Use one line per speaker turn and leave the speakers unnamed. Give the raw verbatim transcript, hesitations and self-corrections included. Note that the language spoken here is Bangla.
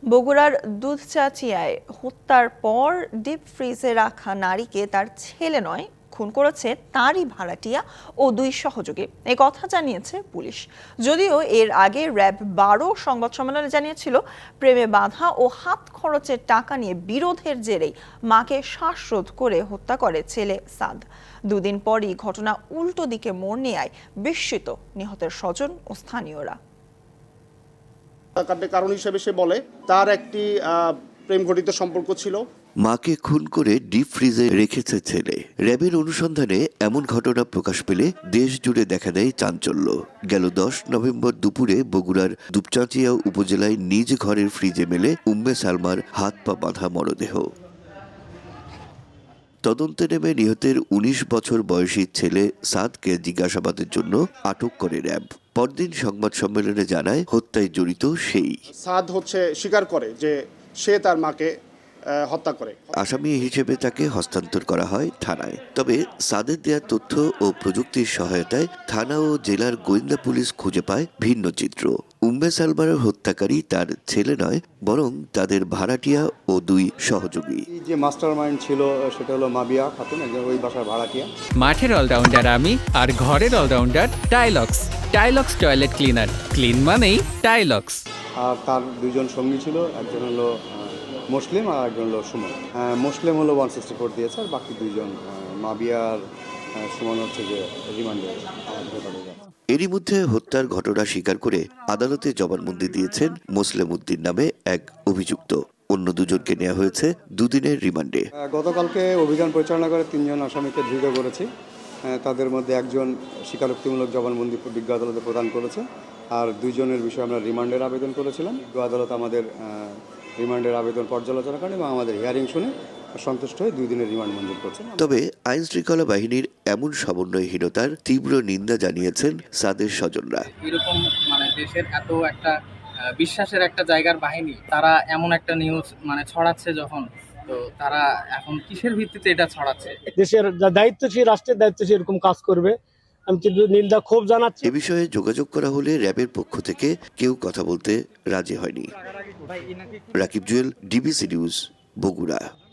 বগুড়ার দুধচাচিয়ায় হত্যার পর ডিপ ফ্রিজে রাখা নারীকে তার ছেলে নয়, খুন করেছে তারই ভাড়াটিয়া ও দুই সহযোগী, এই কথা জানিয়েছে পুলিশ। যদিও এর আগে র্যাব বারো সংবাদ সম্মেলনে জানিয়েছিল, প্রেমে বাধা ও হাত খরচের টাকা নিয়ে বিরোধের জেরেই মাকে শ্বাসরোধ করে হত্যা করে ছেলে সাদ। দুদিন পরই ঘটনা উল্টো দিকে মোড় নেয় বিস্মিত নিহতের স্বজন ও স্থানীয়রা।
হত্যাকাণ্ডের কারণ হিসেবে সে বলে তার একটি প্রেম ঘটিত সম্পর্ক ছিল।
মাকে খুন করে ডিপ ফ্রিজে রেখেছে ছেলে। র্যাবের অনুসন্ধানে এমন ঘটনা প্রকাশ পেলে দেশ জুড়ে দেখা দেয় চাঞ্চল্য। গেল দশ নভেম্বর দুপুরে বগুড়ার দুপচাঁচিয়া উপজেলায় নিজ ঘরের ফ্রিজে মেলে উম্মে সালমার হাত পা বাঁধা মরদেহ। তদন্তে নেমে নিহতের উনিশ বছর বয়সী ছেলে সাদকে জিজ্ঞাসাবাদের জন্য আটক করে র্যাব। পরদিন সংবাদ সম্মেলনে জানায় হত্যায় জড়িত সেই।
সাদ হচ্ছে স্বীকার করে যে সে তার মাকে হত্যা করে।
আসামি হিসেবে তাকে হস্তান্তর করা হয় থানায়। তবে সাদের দেয়া তথ্য ও প্রযুক্তির সহায়তায় থানা ও জেলার গোয়েন্দা পুলিশ খুঁজে পায় ভিন্ন চিত্র। উম্মে সালমার হত্যাকারী তার ছেলে নয়, বরং তাদের ভাড়াটিয়া ও দুই সহযোগী।
যে মাস্টার মাইন্ড ছিল সেটা হলো মাবিয়া খাতুন, একজন ওই বাসার ভাড়াটিয়া।
মাঠের অলরাউন্ডার আমি, আর ঘরের allrounder Tylox. Tylox toilet cleaner, clean মানেই টাইলক্স।
আর তার দুইজন সঙ্গী ছিল, একজন হলো মুসলিম আর একজন হলো সুমন। মুসলিম হলো ওয়ান সিক্সটি ফোর দিয়েছে, আর বাকি দুইজন মাবিয়ার সুমন হচ্ছে যে রিমান্ডে।
এরই মধ্যে হত্যার ঘটনা স্বীকার করে আদালতে জবানবন্দি দিয়েছেন মোসলেম উদ্দিন নামে এক অভিযুক্ত। অন্য দুজনকে নেওয়া হয়েছে দুদিনের রিমান্ডে।
গতকালকে অভিযান পরিচালনা করে তিনজন আসামিকে ধৃত করেছি। তাদের মধ্যে একজন স্বীকারোক্তিমূলক জবানবন্দি বিজ্ঞ আদালতে প্রদান করেছে, আর দুইজনের বিষয়ে আমরা রিমান্ডের আবেদন করেছিলাম। বিজ্ঞ আদালত আমাদের রিমান্ডের আবেদন পর্যালোচনা করেন এবং আমাদের হিয়ারিং শুনে সন্তুষ্ট হয়ে দুই দিনের রিমান্ড মঞ্জুর করছেন।
তবে আইন শৃঙ্খলা বাহিনীর এমন সমন্বয়হীনতার তীব্র নিন্দা জানিয়েছেন সাদের স্বজনরা।
এরকম মানে দেশের এত একটা বিশ্বাসের একটা জায়গার বাহিনী, তারা এমন একটা নিউজ মানে ছড়াচ্ছে যখন, তো তারা এখন কিসের ভিত্তিতে এটা ছড়াচ্ছে?
দেশের দায়িত্বশীল, রাষ্ট্রের দায়িত্বশীল এরকম কাজ করবে, আমি কিন্তু নিন্দা ক্ষোভ জানাচ্ছি।
এ বিষয়ে যোগাযোগ করা হলে র্যাবের পক্ষ থেকে কেউ কথা বলতে রাজি হয়নি। Rakib Jewel, DBC news, Bogura.